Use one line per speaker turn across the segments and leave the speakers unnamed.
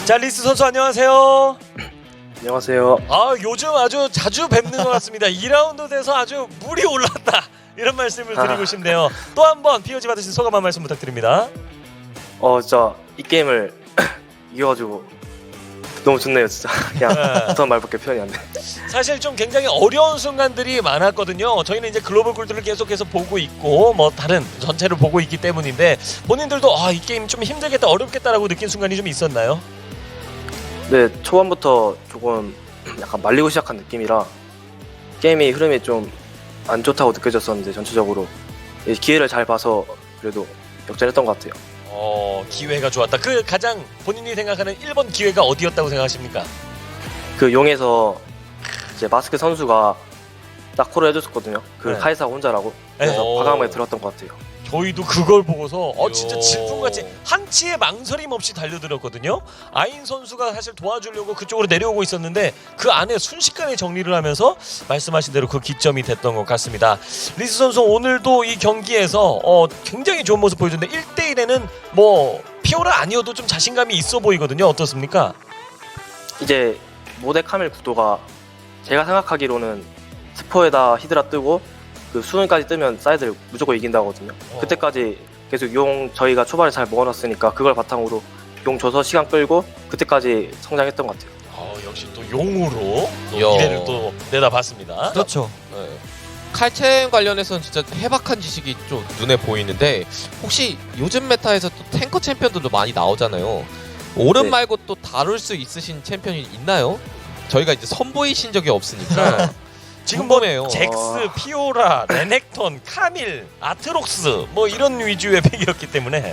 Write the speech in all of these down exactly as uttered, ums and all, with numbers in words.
자, 리스 선수 안녕하세요.
안녕하세요.
아, 요즘 아주 자주 뵙는 것 같습니다. 이 라운드 돼서 아주 물이 올랐다 이런 말씀을 드리고
아.
싶네요. 또 한 번 피오지 받으신 소감 한 말씀 부탁드립니다.
어, 진짜 이 게임을 이겨가지고 너무 좋네요, 진짜. 그냥
네.
어떤 말밖에 표현이 안 돼.
사실 좀 굉장히 어려운 순간들이 많았거든요. 저희는 이제 글로벌 골드를 계속해서 보고 있고 뭐 다른 전체를 보고 있기 때문인데 본인들도 아, 이 게임 좀 힘들겠다, 어렵겠다라고 느낀 순간이 좀 있었나요?
네, 초반부터 조금 약간 말리고 시작한 느낌이라 게임이 흐름이 좀 안 좋다고 느껴졌었는데 전체적으로 기회를 잘 봐서 그래도 역전했던 것 같아요.
어, 기회가 좋았다. 그 가장 본인이 생각하는 일 번 기회가 어디였다고 생각하십니까?
그 용에서 이제 마스크 선수가 딱 콜을 해줬었거든요. 그
네.
카이사 혼자라고. 그래서
네.
과감하게 들었던 것 같아요.
저희도 그걸 보고서 어 진짜
요.
질풍같이 한치의 망설임 없이 달려들었거든요. 아인 선수가 사실 도와주려고 그쪽으로 내려오고 있었는데 그 안에 순식간에 정리를 하면서 말씀하신 대로 그 기점이 됐던 것 같습니다. 리스 선수 오늘도 이 경기에서 어 굉장히 좋은 모습 보여줬는데 일 대 일에는 뭐 피오라 아니어도 좀 자신감이 있어 보이거든요. 어떻습니까?
이제 모델 카멜 구도가 제가 생각하기로는 스포에다 히드라 뜨고 그 수능까지 뜨면 사이드를 무조건 이긴다거든요.
어.
그때까지 계속 용 저희가 초반에 잘 먹어놨으니까 그걸 바탕으로 용 줘서 시간 끌고 그때까지 성장했던 것 같아요.
어, 역시 또 용으로 또
야.
미래를 또 내다봤습니다.
그렇죠.
네. 칼챔 관련해서는 진짜 해박한 지식이 좀 눈에 보이는데 혹시 요즘 메타에서 또 탱커 챔피언들도 많이 나오잖아요. 오른
네.
말고 또 다룰 수 있으신 챔피언이 있나요? 저희가 이제 선보이신 적이 없으니까
지금 뭐
궁금해요.
잭스, 피오라, 레넥톤, 카밀, 아트록스 뭐 이런 위주의 팩이었기 때문에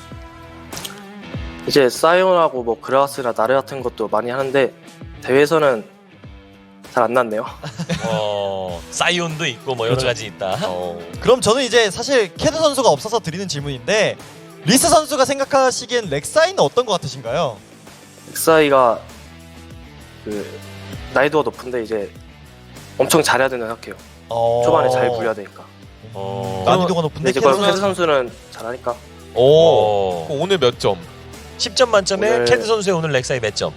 이제 사이온하고 뭐 그라스나 나르 같은 것도 많이 하는데 대회에서는 잘 안 났네요.
어, 사이온도 있고 뭐 여러
그렇죠.
가지 있다.
어,
그럼 저는 이제 사실 캐드 선수가 없어서 드리는 질문인데 리스 선수가 생각하시기엔 렉사이는 어떤 것 같으신가요?
엑사이가 그 나이도가 높은데 이제 엄청 잘해야 된다고 생각해요.
어...
초반에 잘 굴려야 되니까.
어,
난이도가
근데
높은데
이제
캐드
그걸 캐드
선수
선수는 잘하니까
오,
어.
그럼 오늘 몇 점?
십 점 만점에
오늘-
캐드 선수의 오늘 렉사이 몇 점?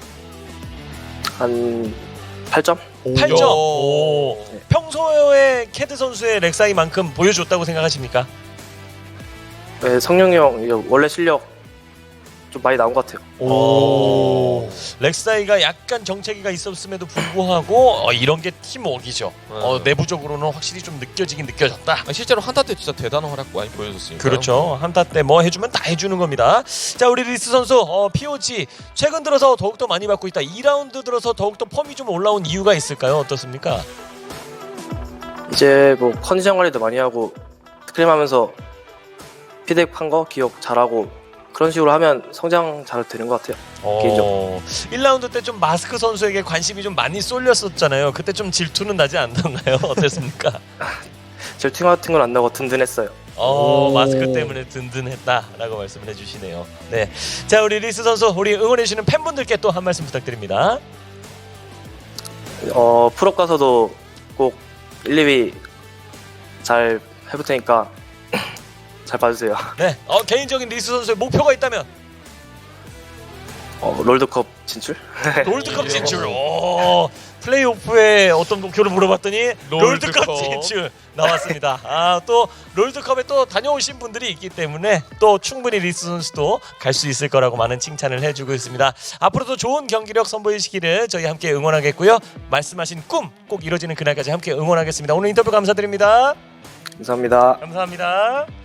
한 팔 점?
팔 점.
야.
오. 평소에 캐드 선수의 렉사이만큼 보여줬다고 생각하십니까?
네, 성룡이 형 이제 원래 실력 좀 많이 나온 것 같아요.
오. 렉사이가 약간 정체기가 있었음에도 불구하고 어, 이런 게 팀워크이죠. 어, 내부적으로는 확실히 좀 느껴지긴 느껴졌다.
아, 실제로 한타 때 진짜 대단한 활약 많이 보여줬으니까.
그렇죠. 한타 때 뭐 해주면 다 해주는 겁니다. 자, 우리 리스 선수 어, 피오지 최근 들어서 더욱더 많이 받고 있다. 이 라운드 들어서 더욱더 펌이 좀 올라온 이유가 있을까요? 어떻습니까?
이제 뭐 컨디션 관리도 많이 하고 스크림하면서 피드백한 거 기억 잘하고 그런 식으로 하면 성장 잘 되는 것 같아요.
어, 일 라운드 때 좀 마스크 선수에게 관심이 좀 많이 쏠렸었잖아요. 그때 좀 질투는 나지 않던가요? 어땠습니까?
질투 같은 건 안 나고 든든했어요.
어,
오.
마스크 때문에 든든했다라고 말씀을 해주시네요. 네, 자, 우리 리스 선수, 우리 응원해주시는 팬분들께 또 한 말씀 부탁드립니다.
어 프로 가서도 꼭 일, 이 위 잘 해볼 테니까 잘 봐주세요.
네, 어, 개인적인 리스 선수의 목표가 있다면
어, 롤드컵 진출?
롤드컵 진출. 오, 플레이오프의 어떤 목표를 물어봤더니 롤드컵,
롤드컵.
진출 나왔습니다. 아, 또 롤드컵에 또 다녀오신 분들이 있기 때문에 또 충분히 리스 선수도 갈 수 있을 거라고 많은 칭찬을 해주고 있습니다. 앞으로도 좋은 경기력 선보이시기를 저희 함께 응원하겠고요. 말씀하신 꿈 꼭 이루어지는 그날까지 함께 응원하겠습니다. 오늘 인터뷰 감사드립니다.
감사합니다.
감사합니다.